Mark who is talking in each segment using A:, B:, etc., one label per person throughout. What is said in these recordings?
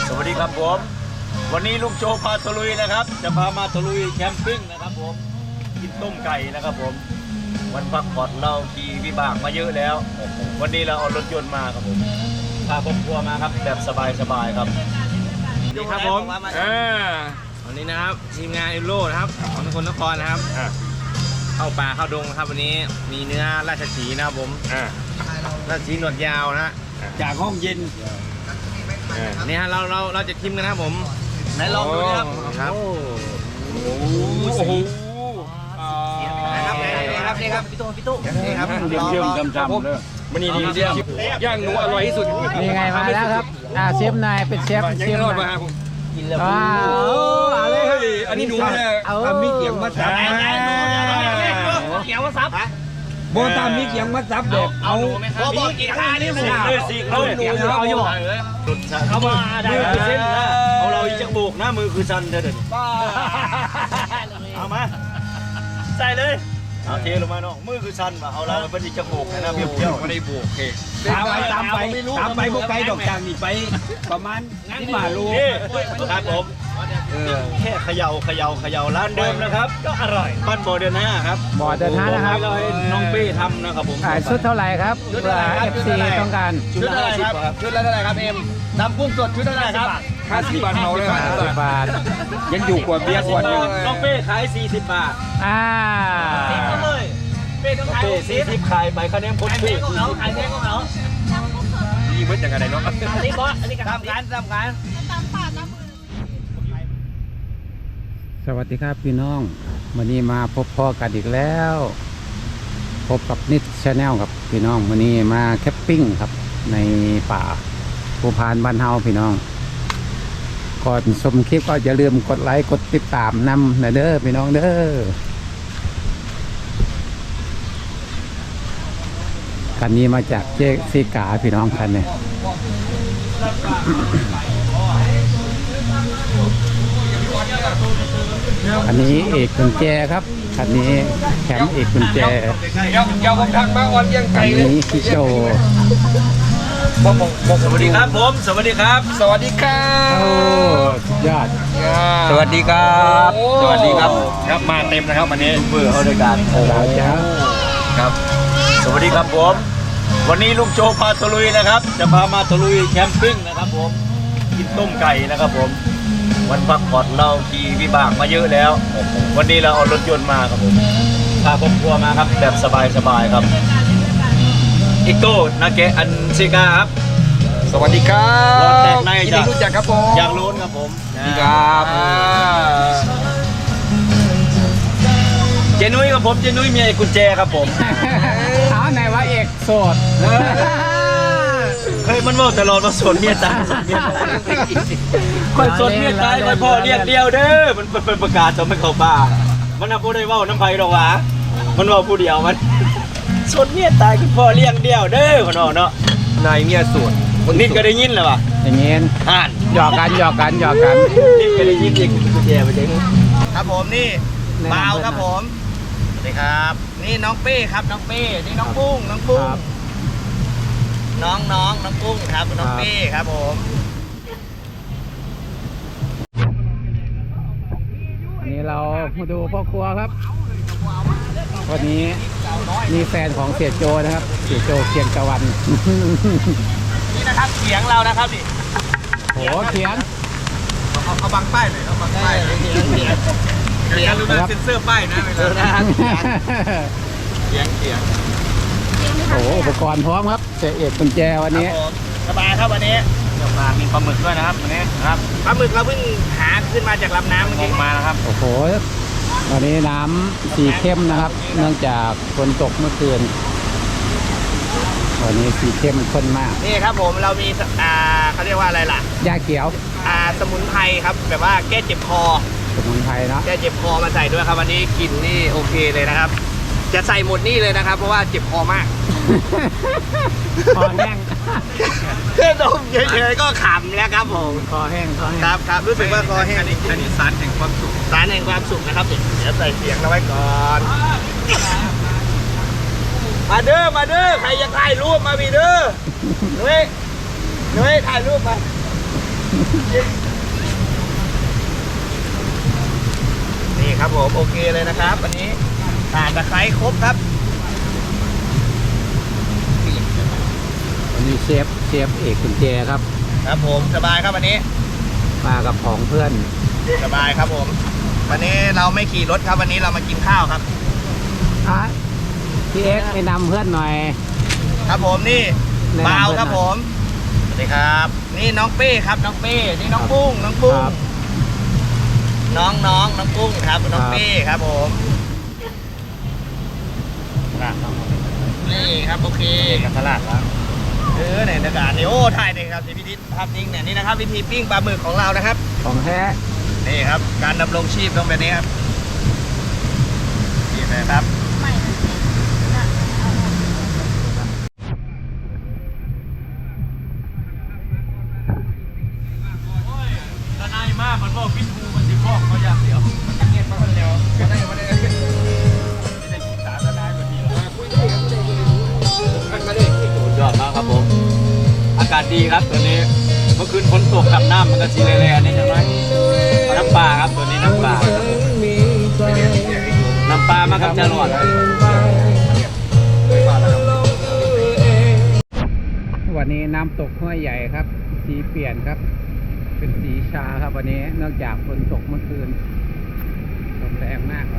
A: สวัสดีครับผมวันนี้ลุงโจพาตะลุยนะครับจะพามาตะลุยแคมปิ้งนะครับผมกินต้มไก่นะครับผมวันพักผ่อนเราขี่วิบากมาเยอะแล้ววันนี้เราเอารถยนต์มาครับผมพาครอบครัวมาครับแบบสบายๆครับ
B: นี่ครับผมวันนี้นะครับทีมงานเอโร่นะครับของนครนครนะครับเข้าป่าเข้าดงนะครับวันนี้มีเนื้อราชสีห์นะครับผมราชสีห์หนวดยาวนะ
A: จากห้องเย็น
B: นี่ฮะเราจะชิมกันนะครับผม
A: ไหนลองดูนะครับ
B: ครับโอ้โหนี่ครับพี่ตู้นี่ครับ
A: เยี่ยมจำเลยมันนี่ดีย่างหนูอร่อยที่สุด
C: นี่ไงมาแล้วครับเชฟนายเป็นเชฟ
A: รอดมา
C: กินแล้ว
A: เลยอันนี้หนูเนี่ยทำมีเกียงมาซับ
B: เกียงมาซับ
A: โบตามมีเกียงมาซับแบบเอา
B: มีเกียงนี่หมู
A: สิเอาหนูเอาอยู่เขามาได้เส้นนะเอาเราอีกจักโบกนะมือคือชันเถิดเอามาใส่เลยเอาเทลงมาน้องมือคือชันมาเอาเราเป็นอีกจักโบกนะเบี้ยวไม่ได้โบกตามไปพวกไก่ดอกจางนี่ไปประมาณ5 โลครับผมแค่เขย่าร้านเดิมนะครับก็อร่อยบ้านบ่อเดือน5ครับ
C: บ่อเดือน5นะครับ
A: เราให้น้องเป้ทำนะครับผม
C: ชุดเท่าไหร่ครับเพื่อ FC ต้องการ
A: ชุดละเท่าไหร่ครับชุดละเท่าไหร่ครับเอ็มน้ำกุ้งสดชุดเท่าไหร่ครับ50 บาทเมาเลย
C: 50 บาท
A: ยังอยู่กว่าเบียร์ขวดนึงน้องเป้ขาย40 บาทเลยเป้ต้องขาย40ขายไปคะแนนคนซื้อขายแพงของเขายี่เบิ้ลจากอะไรเนาะอันนี้บอสอันนี้ทำการ
C: สวัสดีครับพี่น้องวันนี้มาพบพ่อกันอีกแล้วพบกับนิดชาแนลครับพี่น้องวันนี้มาแคมปิ้งครับในป่าภูพานบ้านเฮาพี่น้องก่อนชมคลิปก็อย่าลืมกดไลค์กดติดตามนำนะเด้อพี่น้องเด้อคันนี้มาจากเจ๊ซีกาพี่น้องคันเนี่ยอันนี้เอกกุญแจครับคันนี้แคมป์เอกกุญแจ
A: ยาวผมทักมาอ่อนยังไกลเลย
C: นี้พี่โจ
A: สวัสดีครับผมสวัสดีครับสวัสดีครับ
C: โอ้ยอด
A: สวัสดีครับสวัสดีครับครับมาเต็มนะครับวันนี้เบื่อเขาด้วยกันครับสวัสดีครับผมวันนี้ลุงโจพาตะลุยนะครับจะพามาตะลุยแคมปิ้งนะครับผมกินต้มไก่นะครับผมวันพักผ่อนเราขี่วิบากมาเยอะแล้ววันนี้เราเอารถยนต์มาครับผมพาครอบครัวมาครับแบบสบายครับอิโต้นาเกะอันซิกาครับ
B: สวัสดีครับ
A: รถแตกใน
B: จะรู้จักครับผม
A: อยากรู้ครับผม
B: ครับ
A: เจนุ้ยครับผมเจนุ้ยเมียกุญแจครับผม
C: เอาไหนว่าเอกโสด
A: เคยมันว่าตลอดว่าสนเมียตายคอยสนเมียตายคอยพ่อเรียกเดียวเด้อมันเป็นประกาศจะไม่เข้าป่ามันน่ะพูดได้ว่าน้ำไผ่หรอกวะมันว่าผู้เดียวมันสนเมียตายคือพ่อเลี้ยงเดียวเด้อคนเนาะ
B: นายเมียสวน
A: นิดก็ได้ยินแล้วป่ะ
C: อย่างเงี้ยหยอกกัน
A: นิดก็ได้ยินอีกกุญแจไปเจ๊
B: ครับผมนี่เบาครับผมสวัสดีครับนี่น้องเป้ครับน้องเป้นี่น้องปุ้งน้องปุ้งน้องปุ้งครับน้องเป้ครับผม
C: วันนี้เรามาดูพ่อครัวครับวันนี้มีแฟนของเสียโจนะครับเสียโจเคียงตะวัน
B: นี่นะครับเสียงเรานะครับดิ
C: โหเขียน
B: เอาบังป้ายหน่อยเอาบังป้ายเสียงรู้นะเซ็นเซอร์ป้ายนะเวลาเสียง
C: โอ้อุปกรณ์พร้อมครับเสียเอกกุญแจวันนี้
B: สบายครับวันนี้มีปลาหมึกด้วยนะครับวันนี้ครับปลาหมึกเราเพิ่งหาขึ้นมาจากลำน้ำเมื่อกี้มานะครับ
C: โอ้โหวันนี้น้ำสีเข้มนะครับเนื่องจากฝนตกเมื่อคืนวันนี้สีเข้มข้นมาก
B: นี่ครับผมเรามีเขาเรียกว่าอะไรล่ะ
C: ยาเขียว
B: สมุนไพรครับแบบว่าแก้เจ็บคอ
C: สมุนไพรเนาะ
B: แก้เจ็บคอมาใส่ด้วยครับวันนี้กินนี่โอเคเลยนะครับจะใส่หมดนี่เลยนะครับเพราะว่าเจ็บคอมาก
C: คอแห้ง
B: แค่ดมเฉยๆก็ขำแล้วครับผม
C: คอแห้ง
B: ครับรู้สึกว่าคอแห้งอันนี้สารแห่งความสุขนะครับเดี๋ยวใส่เสียงเราไว้ก่อนมาเด้อใครอยากถ่ายรูปมาบีเด้อนุ้ยถ่ายรูปมานี่ครับผมโอเคเลยนะครับวันนี้ข่าตะไคร้ครบครับ
C: วันนี้เชฟเอกกุญแจครับ
B: ครับผมสบายครับวันนี้
C: มากับของเพื่อน
B: สบายครับผม วันนี้เราไม่ขี่รถครับวันนี้เรามากินข้าวครับ
C: อ่ะพี่เอ็กซ์แนะนำเพื่อนหน่อย
B: ครับผมนี่
C: แนะนำ
B: บ่าว
C: เพื่อน
B: ครับ
C: หน่อย
B: ผมสวัสดีครับ นี่น้องเป้ครับน้องเป้นี่น้องปุ้งน้องปุ้ง
C: ครับ
B: น้องปุ้งครับน้องเป้ครับผมนี่ครับโอเค
A: กับตลาดแล้ว
B: เนี่ยอากาศนี่โอ้ถ่ายเลยครับที่พิธีภาพนิ่งเนี่ยนี่นะครับวิธีปิ้งปลาหมึกของเรานะครับ
C: ของแท้
B: นี่ครับการดำรงชีพต้องแบบนี้ครับนี่นะครับ
A: ทนายมากมันบอกพิษกูมันสิบอกเขาอย่างเดียวมันจะเงียบมาคนเดียวไม่ได้ไม่ได้ศึกษาทนายแบบนี้หรอสุดยอดมากครับผมอากาศดีครับตัวนี้เมื่อคืนฝนตกกับน้ำมันก็สีแร่ๆนี่ใช่ไหมน้ำปลาครับตัวนี้น้ำปลาครับผมน้ำปลามากับจรวด
C: วันนี้น้ำตกห้วยใหญ่ครับ สีเปลี่ยนครับ เป็นสีชาครับวันนี้นอกจากฝนตกเมื่อคืนลมแรงมากครับ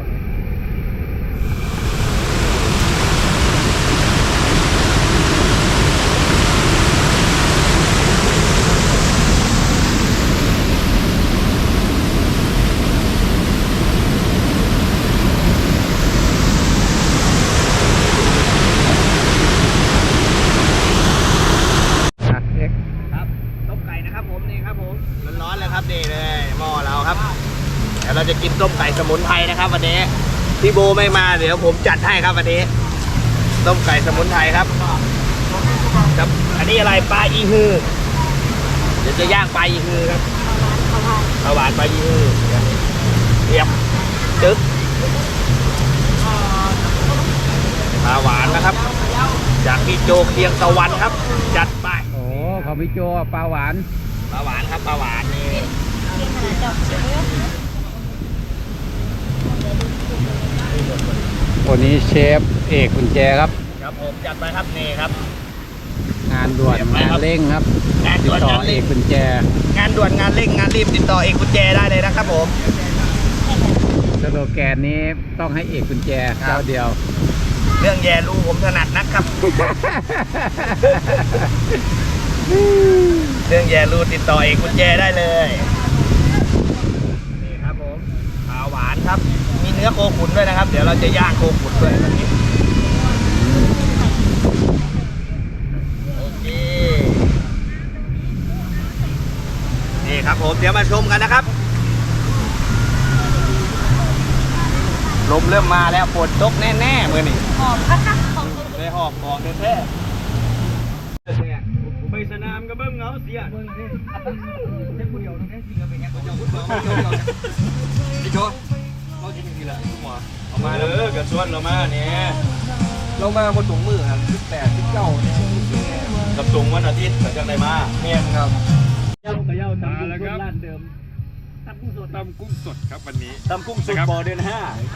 C: เอ็ก
B: ครับต้มไก่นะครับผมนี่ครับผมร้อนๆเลยครับนี่เลยหม้อเราครับเดี๋ยวเราจะกินต้มไก่สมุนไพรนะครับวันนี้พี่โบไม่มาเดี๋ยวผมจัดให้ครับวันนี้ต้มไก่สมุนไพรครับครับอันนี้อะไรปลาอีฮือเดี๋ยวจะย่างปลาอีฮือครับข้าวหวานปลาอีฮือเรียบจึ๊กปลาหวานนะครับจากพี่โจเคียงตะวันครับจัดไป
C: โอ้ของพี่โจปลาหวาน
B: ปลาหวานครับปลาหวานนี่
C: วันนี้เชฟเอกกุญแจครับ
B: ครับผมจัดไปครับนี่ครับ
C: งานด่วน
B: เรียบร้อย
C: งาน
B: ครับ
C: เร่งครับ
B: งาน
C: ติ
B: ด่
C: ด
B: วน
C: ต่อง
B: าน
C: เอ
B: เร่ง
C: กกุญแจ
B: งานด่วนงานเร่งงานรีบติดต่อเอกกุญแจได้เลยนะครับผม
C: สโลแกนนี้ต้องให้เอกกุญแจ
B: ครับ
C: เจ้าเดียว
B: เรื่องแย่รูผมถนัดนักครับ เรื่องแย่รูติดต่อเอกกุญแจได้เลยนี่ครับผมปลาหวานครับมีเนื้อโคขุนด้วยนะครับ เดี๋ยวเราจะย่างโคขุนด้วยวันนี้โอเคนี่ครับผมเดี๋ยวมาชมกันนะครับ ลมเริ่มมาแล้วฝนตกแน่ๆมือนี่
D: หอมค่ะหอม
B: ได้หอบของแท้ๆไปสนามกับเบิ้งเงาเสียเบิ้งนี่เล่นผู้เดียวนั่นจริงๆเป็นไงผู้เดียวพี่โจเราจริงๆแหละหัวเอามาแล้วกับชวนเรามาเนี่ยเรามาบนถุงมือครับ18 19เนี่ยกับถุงวันอาทิตย์กับจังไดมาเนี่ยครับย่างกับย่างตามแล้วครับร้านเดิมตำกุ้งสดครับวันนี้ตำกุ้งสดบ่อเดือน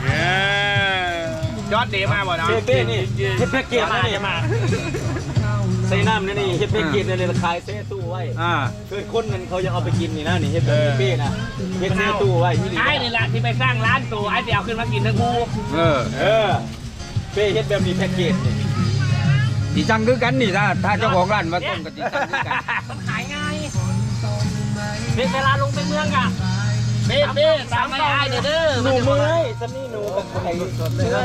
B: 5ยอดเดมาบ่นะ
A: เป้นี่เฮ็ดแพ็กเกจนี่มาใส่น้ำนี่เฮ็ดแพ็กเกจนี่ขายเซ่ตู้ไว้คือคนนั้นเขายังเอาไปกินนี่นะนี่เฮ็ดแบบเป้นะเฮ็ดเซ่ตู้ไว้ที่นี่
B: ไอ้นี่แหละที่ไปสร้างร้านตัวไอ้ที่เอาขึ้นมากินทั้งคู่
A: เป้เฮ็ดแบบนี้แพ็กเกจนี่
E: ดีจังคือกันนี่ถ้าเจ้าของร้านมาต้มกับดีจังคือกัน
B: มันขายง่ายเวลาลงไปเมืองอ่ะเบ้ตามไม่ไอ้เด้อ
A: หนูเมื่อยซันนี่หนูกับไข่สดเลย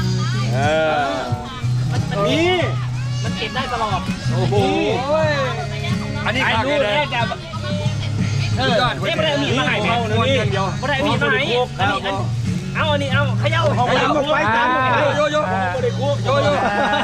A: นี่
B: มันเก็บได้ตลอด
A: โอ้โห
E: อันนี้
B: ไอ้
E: ขาด
B: ลูก
E: เลย
B: เนี่ยจะไม่ได้มีมาให้แม่
A: นี่
B: ไม่ได้มีมาให้เอาอันนี้เอาเขย่า
A: ไว้กันโยโย่บริคุกโยโย่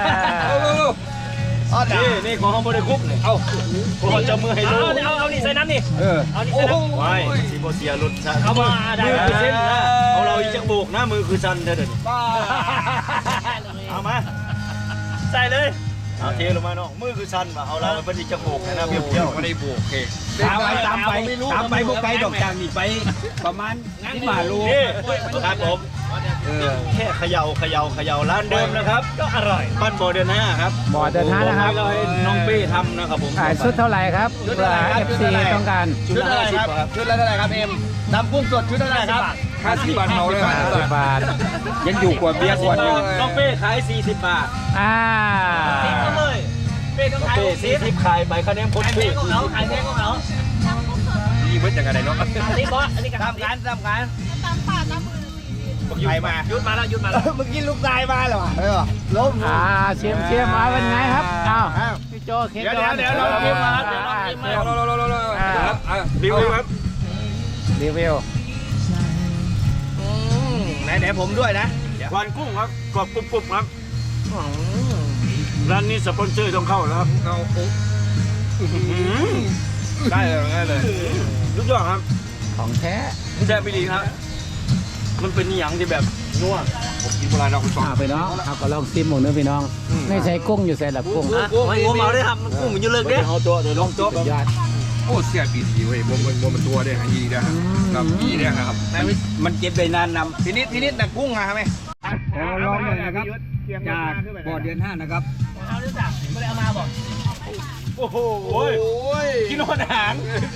A: นี่ของห้องบริคุกนี่เอาของจะมือให้ดู
B: เอานี่ใส่น้ำนี่เอานี่ใส่น้ำ
A: ไว้ซีโบเซียรุดชัน
B: เอามาได้
A: มือคือเส้นนะเอาเราอีกจักโบกนะมือคือชันเด้อเด้อเอามา
B: ใส่เลย
A: เอาเทลงมาน้องมือคือสั้นว่ะเอาเราไปที่จะโบกนะเบี้ยวๆ
E: ไม่ได้บวกโอเคตามไปพวกไกลดอกจางนี่ไปประมาณ15 โล
A: นี่ครับผมแค่เขย่าร้านเดิมนะครับก็อร่อยบ้านบ่อเดือน5ครับ
C: บ่อเดินห้านะครับ
A: เราให้น้องเป้ทำนะครับผม
C: ขายชุดเท่าไหร่ครับเพื่อ FC ต้องการ
A: ชุดละเท่าไหร่ครับชุดละเท่าไหร่ครับเอ็มตำกุ้งสดชุดละเท่าไหร่ครับ
E: 50 บาทเมาเลย
C: 50 บาท
E: ยังอยู่กว่าเบียร์ขวดหนึง
A: น้องเป้ขาย40 บาท
C: อ่า
A: เลยเป้ต้องขาย40ขายใบคะแนนคนเป้ของเขาขายแพงของเขา
E: นี่เบิ้ลยังไงเนาะ
A: อันนี้บอสอันนี้ทำการ
D: ตามป่าตามมือ
A: ใครมายุดมาแล้วเมื่อกี้ลูกชายมาเหรอล้ม
C: เชียมมาเป็นไงครับอ้าวพี่โจเค้ก
A: เดี๋ยวเราเก็บมาเดี๋ยวเราเก็บมารีวิวครับ
C: รีวิว
A: ไหนผมด้วยนะควันกุ้งครับกรอบกรุบครับร้านนี้สปอนเซอร์ต้องเข้าแล้วครับได้เลยทุกอย่างครับ
C: ของแท้
A: แซ่บไปดีครับมันเป็นอย่างที่แบบนัว
E: ผมกินโบราณเราคุณสอง
C: พี่น้องเอาก็ลองซิมหมดเนื้อพี่น้องไม่ใช่กุ้งอยู่ใส่หลับกุ้ง
A: ไม่งมเอาได้ครับมันกุ้งมันอยู่เลิกเด้เอาตัวเดี๋ยวลองตัว
C: สุดยอด
E: โอ้เสียปีดีเว้ยมันตัวได้หางยีได้ครับยีได้ครับมันเก็บได้นานนำทีนี้แต่กุ้งมาไหมลองเลยนะครับจากบ่อเดือน 5นะครับ
A: เอาด้วยจ้ะไม่ได้เอามาบอกโอ้โหกินหัวหาง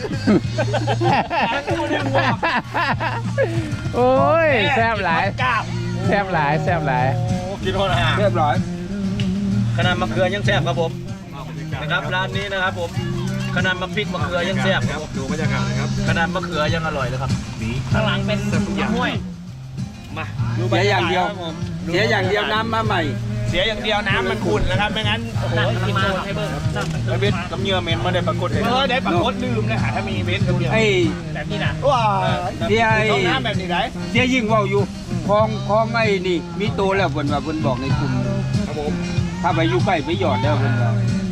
C: โอ้ยแซ่บหลาย
A: กาบ
C: แซ่บหลายแซ่บหลาย
A: กินหัวหาง
E: เรียบร้อย
A: ขนาดมะเขือยังแซ่บครับผมนะครับร้านนี้นะครับผมขนาดมะพริกมะเขือยังแซ่บครับ
E: ดูบรรยากาศนะครับ
A: ขนาดมะเขือยังอร่อยเลยครับข้างหลังเป็นห้วยมา
E: เสียอย่างเดียวน้ำมาใหม่
A: เสียอย่างเดียวน้ำมันขุ่นนะครับไม่งั้นโอ้โหกินโดนให้เบิ้งไอเบสกับเหยื่อเหม็นมาได้ปรากฏเลยได้ปรากฏลืมเลยค่ะถ้ามีเบสกับเหยื่อ
E: ไอ้
A: แบบนี้นะว้า
E: เสียไอ้
A: ต้องน้ำแบบนี้ไหน
E: เสียยิ่งว่าวอยู่คลองไอ้นี่มีโตแล้วเพิ่นว่าเพิ่นบอกในกลุ่มครับผมถ้าไปอยู่ใกล้ไปหยอดแล้วเพิ่นว่า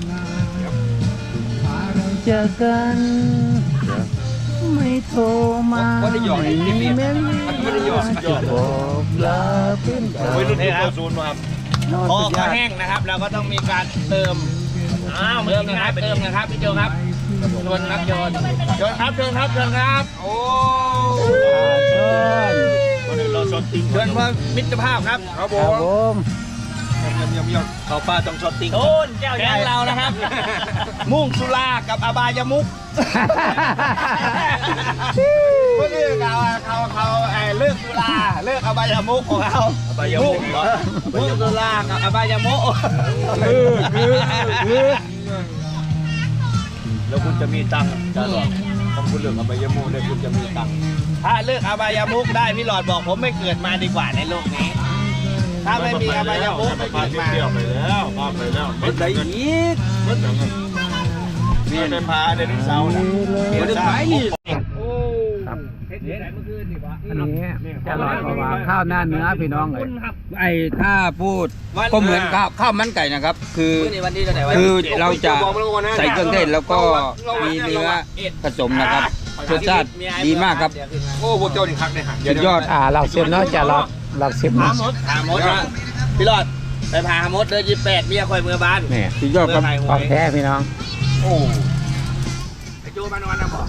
C: เจอกันไม่โทรมาไม่เม้นบอกลาเป็น
A: โอ้ยรุ่นที่เข้าศูนย์มาครับพอเขาแห้งนะครับเราก็ต้องมีการเติมเติมนะครับพี่โจครับชวนครับโยนครับเชิญครับโอ้เราช็อตติ้งเชิญเพื่อมิตรภาพครับครับผ
C: ครับผม
A: เขาป้าต้องช็อตติ้งโอ้นแก้วใหญ่เรานะครับ มุ่งสุรากับอบายมุกเพื่อเลือกเขาเลิกสุราเลิกอบายมุกของเขาอบายมุกมุ่งสุรากับอบายมุกแล้วคุณจะมีตังค์จะหรอต้องคุณเลือกอบายมุกได้คุณจะมีตังค์ถ้าเลือกอบายมุกได้พี่หลอดบอกผมไม่เกิดมาดีกว่าในโลกนี้ถ้าไม่มีอบายมุกไม่เกิดมาไปแล้วไม่ได้อีกนี่ได้พาได้เสาร์นะเดี๋ยวจะขายนี่
C: ครับอันนี้จะลอยกว่าข้าวหน้าเนื้อพี่น้องเลย
E: ไอ้ถ้าพูดก็เหมือนข้าวมันไก่นะครับ คือเราจะใส่เครื่องเทศแล้วก็มีเนื้อผสมนะครับรสชาติดีมากครับโอ้โหเจ้าดิคักเลยฮะสุดยอด
C: เราเสียบเนาะจะเราเสียบ
A: หา
C: เนาะ
A: มดพี่หลอดไปพามดเลย28เมียคอยเมือบ้าน
C: นี่
E: สุดยอดครับ
C: ของแท้พี่น้อง
E: โอ้
A: ไอโจมานอนนะบ่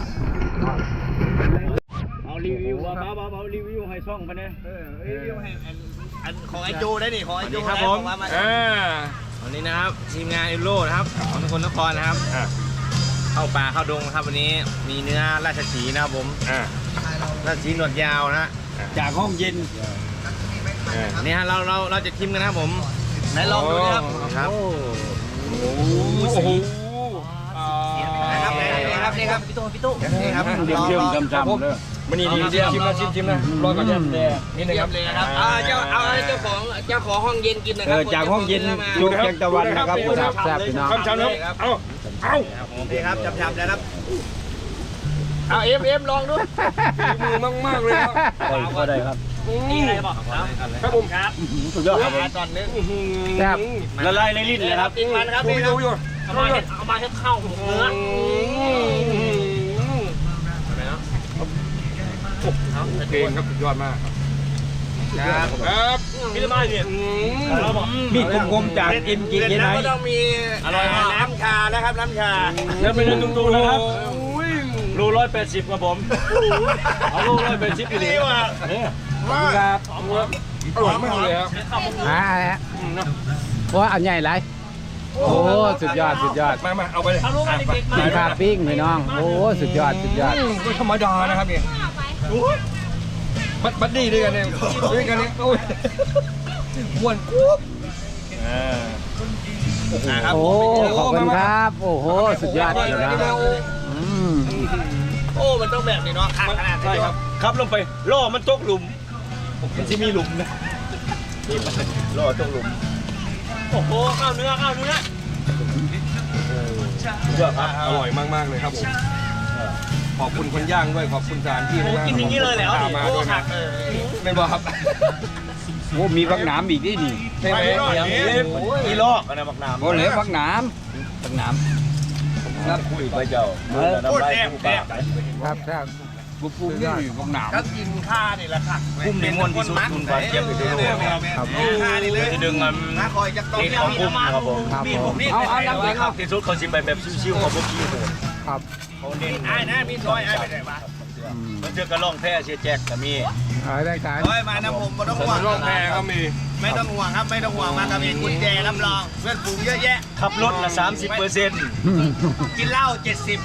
A: เอารีวิวเบารีวิวให้ช่องไปเนี่ยรีวิวให้อันของไอโจได้นี่ของไอโจครับผม
B: วันนี้นะครับทีมงานเอโร่นะครับของทุกคนนครนะครับเข้าป่าเข้าดงนะครับวันนี้มีเนื้อราชสีห์นะครับผมราชสีห์หนวดยาวนะ
E: จากห้องเย็น
B: นี่ฮะเราจะชิมกันนะครับผม
A: ไหนลองดูนะครับ
B: ครับ
E: โอ้โห
A: นะครับนี่ครับพี่ตู้นี่ครับ
E: เยี่ยมจำเลยมันนี่ดีชิมนะรอก่อนนี่นะครับ
A: เลยนะครับเจ้าของห้องเย็นกินนะครั
E: จากห้องเย็นจุดแกงตะวันนะครับ
C: แซ่บพี่น้อง
E: คำชันครับเอา
A: นี่ครับจับนะครับเอาเอ็มลองดู
E: มือมากเลยครับ
C: ก็ได้ครับ
A: นี่อะไรบอกครับผมครับ
C: สุดยอดครับ
A: ตอนนึง
C: แซ่บ
A: ละลายในลิ้นเลยครับกินมันครับนี่ครับเอามาให้เข้าเนื้อ
E: โอเคครับสุดยอดมากครับ
B: พี่มาเนี่ย
E: มีกลมๆจากกินไหน
B: ก็ต้องมีอร่อยน้ำชานะครับน้ำชาแล้วเป็นตุ้งๆนะครับรู180ครับผมเอารู180อยู่ดีว่ะ
E: ครับอร่อยมากเลยครับ
C: อะไรฮะว่าอันใหญ่ไรโอ้สุดยอด
E: มาเอาไปเลย
C: กินข้าวปิ้งพี่น้องโอ้สุดยอด
E: ไม่ธรรมดานะครับนี่บัดดี้ด้วยกันเนี่ยโอ้ยม้วนกุ๊บ
C: โอ้ขอบคุณครับโอ้โหสุดยอดเลยนะอืม
B: โอ้มันต้องแบบนี้เนาะขนาด
A: ใช่ครับครับลงไปล่อมันตกหลุมมันจะมีหลุมนะล่อตกหลุม
B: โอ้โหข้าวเนื้อ
A: เยอะครับ
E: อร่อยมากๆเลยครับผมขอบคุณคนย่างด้วยขอบคุณจานที่
B: กินอย่างนี้เลยแล้ว
E: มาด้วยนะไม่บอกครับโอ้มีบักหนามอีกนี่ใช่ไหม
A: อีลอกนะบักน้ำ
E: โอ้เหลือบักหนามครับ
A: คุยไปเจ้าโคตรแซ่บ
C: ครับ
E: บุปผนี่บักหนาม
B: ก็กินข้านี่แหละค่ะ
A: คุ้มในม้วนที่สุดคุณฟ้าเจี๊ยบอยู่ที่โลกครับ
B: ข้านี่เลย
A: ที่ดึงมัน
B: น้าคอยจะต้อง
A: เด็กของคุ้มครับผม
C: ครับผม
A: เอาน้ำแข็งครับที่สุดเขาชิมไปแบบชิวๆเขาบุกขี้โหด
C: ครับ
A: เขาเน้น
B: ไอ้นะมีซอยไอ้ไปไหนมา
A: มันเจอกระล่องแพ้เชียแจ็คก็มี
C: ได้การ
B: ซอยมานะผมไม่ต้องห่วง
E: ร่องแพก็มี
B: ไม่ต้องห่วงครับไม่ต้องห่วงมากับเองกุญแจรับรองเพื่อนฝูงเยอะแยะ
A: ขับรถละ30%
B: กินเหล้า70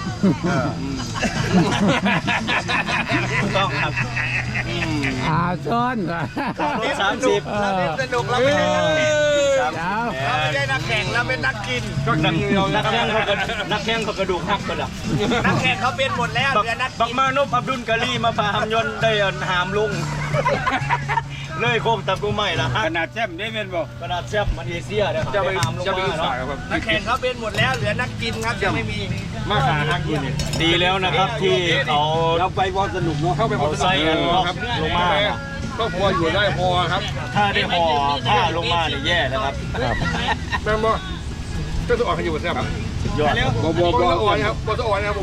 A: ต้องครับ
C: ซ้อน
A: ขับรถ30
B: เราเล่นสนุกเราไม่ได้นักแข่ง
A: 30
B: เราไม่ได้นักแข่งเราเป็นนักกิน
A: นักแข่งเขากระดูกหักก็ดับ
B: นักแข่งเขาเป็นหมดแล้วเหลือนัก
A: บั
B: กิ
A: ก
B: น
A: มานพอับดุลกะลีมาพาหามยนต์ได้หามลุงเลยโคมตับกูใหม่ละฮะ
E: ขนาดแจ่มได้เป็นบอก
A: กระดาษแซบมันเอเชียเด้อครับ
E: จะไป
A: หามลง
E: จะไป
A: มา
E: สาย
A: เนาะ
E: ครับ
B: นักแข่งเขาเป็นหมดแล้วเหลือนักกินครับยังไม่มี
E: มาขาหักอยู่นี่
A: ดีแล้วนะครับที่เขา
E: เราไปบอลสนุกเนาะเข้าไปบอลสนุก
A: ใส่กันครับลงมา
E: ก็พออยู่ได้พอครับ
A: ถ้าได้ห่อผ้าลงมาเนี่ยแย่แล้วครับ
E: แม่บอก็จะออกกันอยู่บนเสื้อครับ
A: สุดยอดครับ
E: บออ่อนครับบออ่อนครับผม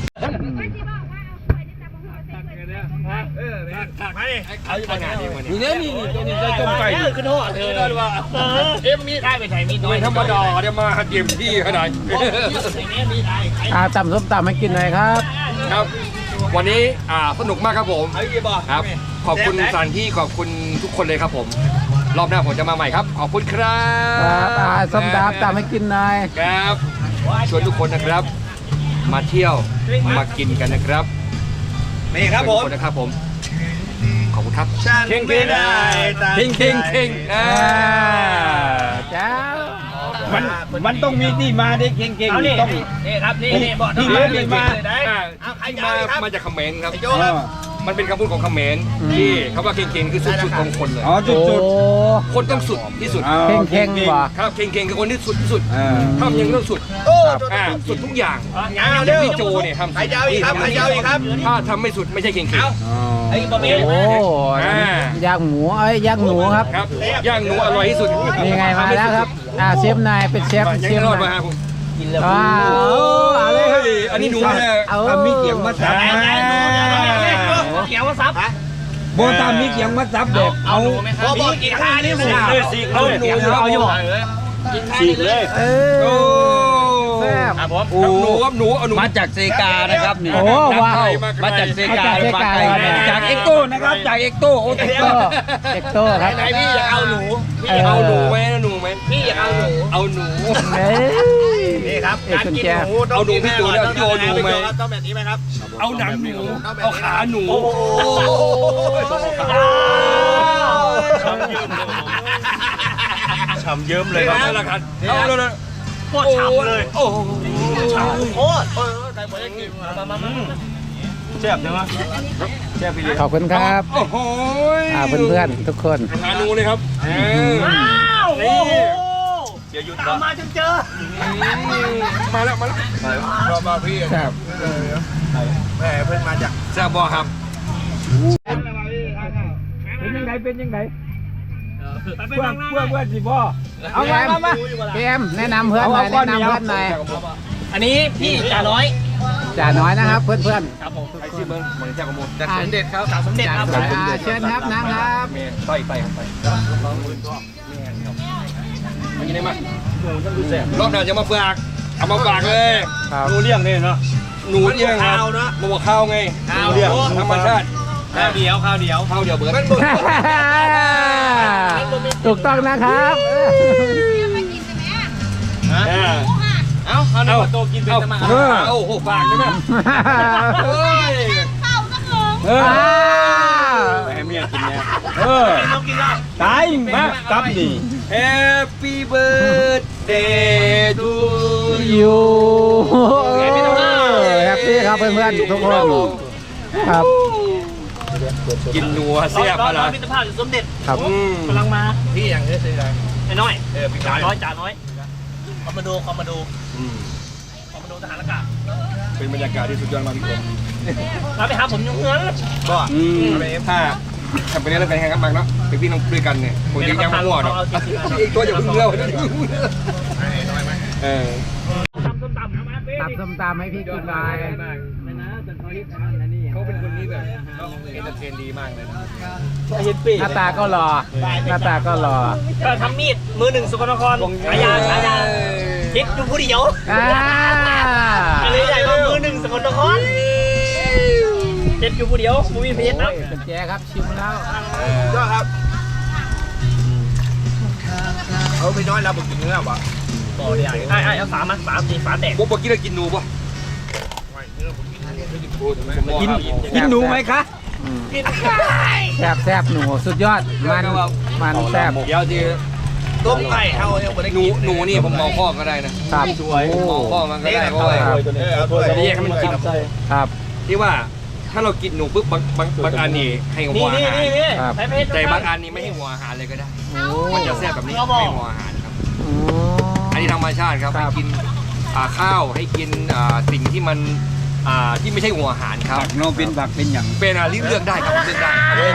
B: เอาอยู่บนงานดีกว่านี้
E: นี่ใจต้มไก่
B: ขึ้นหัวเธอเลยว่ามีได้ไปไหนมีน้อย
E: ธรรมดาเดี๋ยวมาเตรียมที่ขนาด
B: มีได้
C: ตำส้มตำให้กินหน่อยครับ
E: ครับ วันนี้สนุกมากครับผม
B: เอาอีกบ่
E: ครับ ขอบคุณสถานที่ขอบคุณทุกคนเลยครับผม รอบหน้าผมจะมาใหม่ครับ ขอบคุณครับ
C: ส้มตำให้กินหน่อย
E: ครับชวนทุกคนนะครับ มาเที่ยวมากินกันนะครับ
B: นี่ครับผม
E: ชวนทุกคนนะครับผม ขอบคุณครับ
B: เข่งไม่ได้
E: เข่ง
C: เจ้า
E: มันต้องมีที่มาได้เข่ง
B: เอานี่
E: ต้อง
B: นี่ครับนี่บอก
E: ที่มา
B: เอาใคร
E: ที่
B: จะครับ
E: มาจากเขมรครับ
B: โจ้ครับ
E: มันเป็นคำพูดของเขมรที่คำว่าเข่งคือสุดๆของคนเลย
C: โอ้
E: คนต้องสุดที่สุด
C: เข่งว่ะ
E: ครับเข่งคือคนที่สุดที่สุดทำยังต้องสุด
B: โอ้
E: สุดทุกอย่าง
B: เอาเร็ว
E: พี่โจเนี่ยทำ
B: ใครจะเอาอีกครับใครจะเอาอีกครับ
E: ถ้าทำไม่สุดไม่ใช่เข่ง
B: ไอ้บะหมี่
C: โอ้ย่างหมูย่างหนูครับ
E: ครับย่างหนูอร่อยที่สุด
C: นี่ไงมาแล้วครับเชฟนายเป็นเชฟ
E: ยัง
C: เชฟ
E: รอด
C: นา
E: มาย ครับผม
C: ว้าวเอาเลยครับ
E: อันนี้หนูเนี่ย
C: เอามีเกียงมาซับ
B: เขียวว่าซับ
C: โบตามมีเกียงมาซับเด็ก
B: เอาหนูไหมครับมีกี่ค่านี่หมู
A: เลยสีเลย
C: เอาอยู่
A: สีเลย
E: โอ้
C: แซ่บ
B: ครับผม
E: หนูครับหนูเอาหนู
F: มาจากเซกานะครับนี่
C: โอ้ว้าว
F: มาจากเซกา
C: มาจากเซกา
F: จากเอ็กโต้นะครับจากเอ็กโต้โอ้
C: เอ็กโต้เอ็กโต้ครับ
B: ไหนพี่อยากเอาหนู
E: พี่เอาหนูไหมหนูไหม
B: พี่อยากเอาหนู
E: เอาหนู
C: เฮ้ย
B: นี่ครับการกินหนูต้องแบบนี้ไหมครับ
E: เอาหนังหนูเอาขาหนู
A: ฉ่ำเยิ้มเลยครับ
E: นั่นแหละครับเอาเลย
A: โคตรฉ่ำเลย
E: โอ้
B: โคตรใครบอกให้กินมา
A: แซ่บใช่ไหมแซ่บพี่เลย
C: ขอบคุณครับ
E: โอ้โห
C: เพื่อนๆทุกคน
E: ขาหนูเลยครับ
B: ว้าวโอ้โห
A: เสียหยุด
B: ตามมาจนเจอ
E: มาแล้วมาพี่
C: ครับ
B: แหมเพิ่งมาจาก
E: แซ่บบอครับ
C: เป็นยังไงเป็นยังไง
B: เพื่อน
C: สิบ่เอามาเกมแนะนำเพื่อนหน่อยแนะนำเพื่อนหน่อย
B: อันนี้พี่จ่าน้อย
C: จ่าน้อยนะครับเพื่อนๆ
B: ครับผมไอซีเบิ้งเหมือนเจ้ากระมูลจาก
C: อ่า
B: สมเด็จครับจากสมเด็จครับ
C: เชิญครับนะครับ
B: เมย์ต่อยไปครับไปมันยังไงมาหนูต้องดูแสบรอบหน้าจะมาฝากเอามาฝากเลย
C: ครับ
A: หนูเลี้ยงนี่เนาะ
B: หนูเลี้ยงครับมาบอกข้าวไง
A: ข้าวเลี้ยง
B: ธรรมชาติ
A: ข้าวเดียวข้าวเดียว
B: ข้าวเดียวเบิร์ด
C: ถูกต้องนะครับ
D: ไม่กินใช่ไหม
B: เอ้าเอาเอาโตกินเป็นสมาโอ้โหฝากใช่ไหมเฮ้ย
D: ข้าวสักหนึ่ง
A: ไปให้เมียกินเนี่ย
B: ต้องกินได้
A: ตายมากับนี่
B: Happy birthday to
C: อยู่แฮปปี้ครับเพื่อนๆทุกคนครับ
B: กินนัวเสียบอะไร
G: มิตรภาพอยู่สมเด็จ
C: ครับ
G: กำลังมา
B: พี่อย่างนี้สิอะไร
G: ไอ้น้อย
B: พี่
G: จ่า
B: ชาย
G: น้อยจ่าน้อยคอมมานโดคอมมานโดทหารอากาศ
B: เป็นบรรยากาศที่สุดยอดมากพี่ผม
G: เราไปหาผมยังเงิน
B: ก็ถ้าทำไปเนี้ยแล้วกันแข่งกันมากเนาะเป็นพี่น้องด้วยกันเนี่ยคนที่ยังไม่หัวเนาะอีกตัวอย่าเพิ่งเล่าเออ
G: ตำส้มตำนะมาเป้
C: ตับส้มตำให้พี่กินหน่อย
B: เขาเป็นคนที่แบบเอนเตอร์เทนดีมากเลยนะ
C: หน้าตาก็รอหน้าตาก็รอ
G: ก็ทำมีดมือหนึ่งสกลนครฉายาคิดอยู่ผู้เดียว
C: อ่า
G: อะไรใหญ่ว่ามือหนึ่งสกลนครเจ็ดอยู่ผู้เดียวมูวี่เพชรนะ
C: เป็นแจครับชิมแล้ว
B: ก็ครับเขาไปน้อยแล้วผมกินเนื้อป่ะ
G: ต่อเดียวไอ้เอาฝามาฝาแตก
B: ผมบอกกินแล้วกินหนูป่ะ
A: กินหนูไหมคะ
C: แซบหนูสุดยอดมันแซบ
B: เดี๋ยวทีต้มไก่เอาเนี่ยหนูนี่ผมมองข้อก็ได้นะครับ
C: สวย
B: มองข้อมันก็ได้เพราะว่าแยกให้มันกิน
C: ครับ
B: ที่ว่าถ้าเรากินหนูปุ๊บบางอันนี่ให้หัวอาหาร
C: ครับ
B: แต่บางอันนี่ไม่ให้หัวอาหารเลยก็ได้ มันจะแซ่บแบบนี้ไม่หัวอาหารครับ
C: โอ้
B: อันนี้ธรรมชาติครับ
C: ครั
B: ให้
C: บ
B: กินข้าวให้กินสิ่งที่มันที่ไม่ใช่หัวอาหารครับ
E: ผักโนเป็นผักเป็นอย่าง
B: เป็นเลือกได้ครับเลือกได้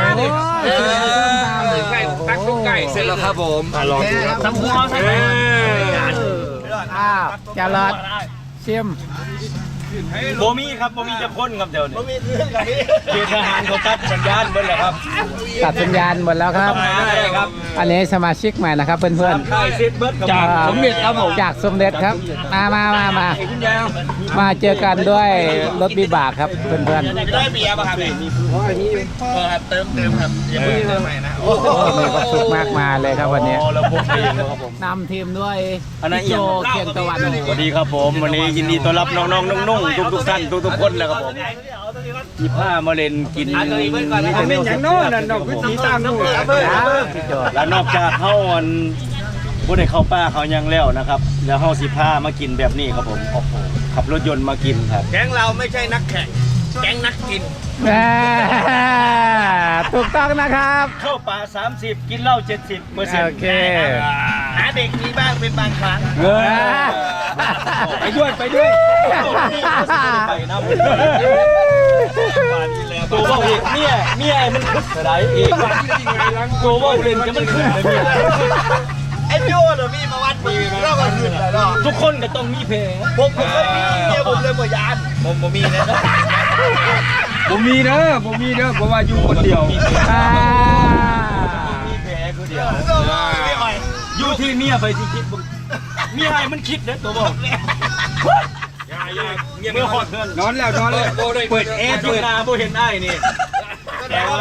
B: ไก่ตักต้มไก่เสร็จแล้วครับผมลองดูครับ
G: สำคัญใช่ไหม
C: อ้าวจารอดชิม
A: โบมี่ครับโบมี่จะพ่นครับเดี๋ยวนี้โบมี่เรื่องกันนี้เขตทหารเขาตัดสัญญาณเบิ้ลแล้วครับ
C: ตัดสัญญาณหมดแล้วครับ
A: ใช่ครับ
C: อันนี้สมาชิกใหม่นะครับเพื่อน
A: ได้เซตเบิ้ล
C: ๆจากสมเด็จครับผมจากสมเด็จครับมาเจอกันด้วยรถบิบากครับเพื่อนๆ
G: ได้เบียร์ป่ะครับครับเติมครับอย่าเพิ่งเติมใหม่นะ
C: โอ้มีความสุขมากมายเลยครับวันนี้
A: เราพกเองครับผม
C: นำทีมด้วย
A: อันนั้น
C: พี่โจเคียงตะวัน
A: สวัสดีครับผมวันนี้ยินดีต้อนรับน้องๆนุ่งๆทุกท่านทุกคนเลยครับผม25มาเล่นกิน
E: เป็นอย่างโน้นน่ะนอกวิธีตามนู่น
C: พี่โจ
A: แล้วนอกจากเข้าวันผู้ใดเข้าป้าเขายังแล้วนะครับแล้วเฮาสิพามากินแบบนี้ครับผมโอ้โหขับรถยนต์มากินครับ
B: แก๊งเราไม่ใช่นักแข่งแก๊งนักกิน
C: แหม่ถูกต้องนะครับ
A: เข้าป่า30กินเหล้า70เปอร์เซ็นต์
C: โอเค
G: หาเด็กมีบ้างเป็นบางครั้ง
A: ไปด้วยไปนะตัวว่าเอกเมียมันขึ้นอะไรเอกตัวว่าเล่นจะมันขึ้นเลยเมีย
G: ไอ้โจ้เหรอพี่มาวัดมีเราก็ขึ้นแล้วเนาะ
A: ทุกคนก็ต้องมีเพลง
G: ผมเคยมีเมียผมเลยบ่ยานผมมีนะ
E: ผมมีเด้อเพราะว่าอยู่คนเดียว
A: มีแผลคือเดียวอยู่ที่เมียไปที่คิดเมียไอ้มันคิดนะตัวบอกเมื่อหอดเพื่อน
E: นอนแล้วเปิดแอร์
A: จุนาโบเห็นไอ้นี่แต่ว่า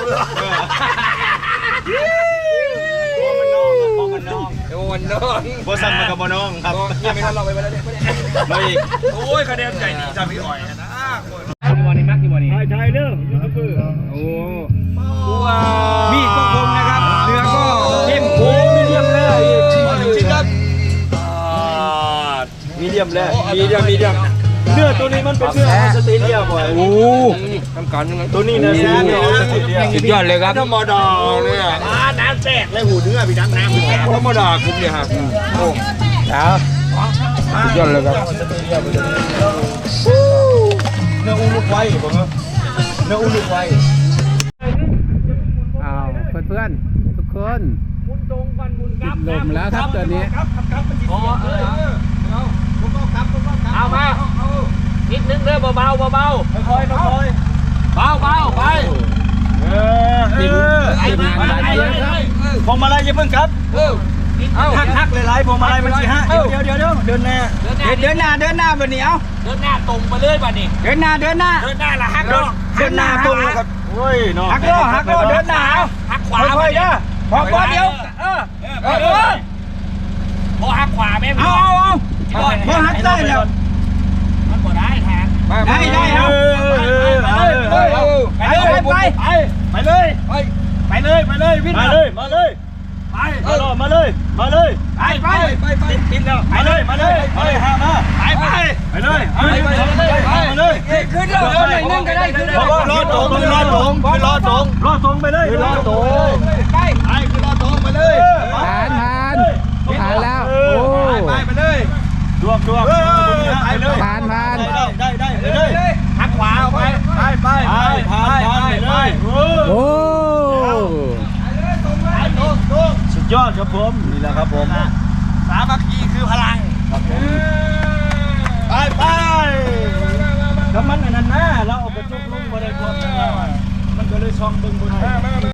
A: พอมันน้อง
B: โดนน้อง
A: โบซันมันกับโบน้องครับ
B: ยังไม่ทันเราไปแล้วเนี่ย
A: ไม่อีก
B: โอ้ยคะแนนใจดีจ้าพี่อ่อยนะ
A: ชายเรื่องยูทูบเบอร์
E: โอ้มีดก็คมนะครับเนื้อก็เข้มข้นมีเดียมเลย
A: มีเดียมแล้ว
E: มีเดียม
A: เนื้อตัวนี้มันเป็นเนื้อออสเตรเลียบ่อย
E: โอ้ทำการยังไง
A: ตัวนี้เนื้อแซ่บออสเตรเลีย
E: สุดยอดเลยครับ
B: ธรรมดาเนี่ย
G: น้ำแจกเลยหูเนื้อพี่น้ำแจก
B: ธรรมดาคุ้มเนี่ยครับโอ้
C: แล้ว
E: สุดยอดเลยครับ
A: เนื้ออุลุกไว้ผมว่าเนื้ออุลุกไว้
C: เอาเพื่อนๆทุกคนติดลมแล้วครับตอนนี้
G: เอามา
B: นิดนึงเด้อเบาๆเบาๆค่อยๆค่อยๆเบาๆไป
A: พวงมาลัยอย่าเพิ่งครับหักหลายๆพวงมาลัยมันสิฮะเดี๋ยวเดินหน้า
E: เดินหน้าแบบนี้เอา
B: เดินหน้าตรงไปเลยบัดนี้
E: เดินหน้า
B: เดินหน้าละหัก
A: เดินหน้าตรงครับโอ้ยน้อง
E: หักโลเดินหน้าเอา
B: หักขวา
E: ค่อยๆเด้อพอเดียว
B: พอหักขวาแม่พี่
E: เอาพอหักได้แล้ว
B: มันบ่ได้แทน
E: ได้เอา
A: ไปเลยวิ่งมาเลยมาเลยติดแล้วมาเลยหามาไปเลยขึ้นแล้วนึงก็ได้ขึ้นรอตรงไปเลยรอตรงไปเลย
C: ผ่านแล้วโอ้
A: ไปเลยดวกไปเลย
C: ผ่าน
A: ได้ไปเลย
B: หักขวาออกไป
A: ผ่านไปเลย
C: โอ้
A: สุดยอดครับผมนี่แหละครับผม
B: สามัคคีคือพลัง
A: ไปก็มันอันนั้นนะเราเอาไปจุกลุงมาได้ความมันก็เลยช่องบึงบน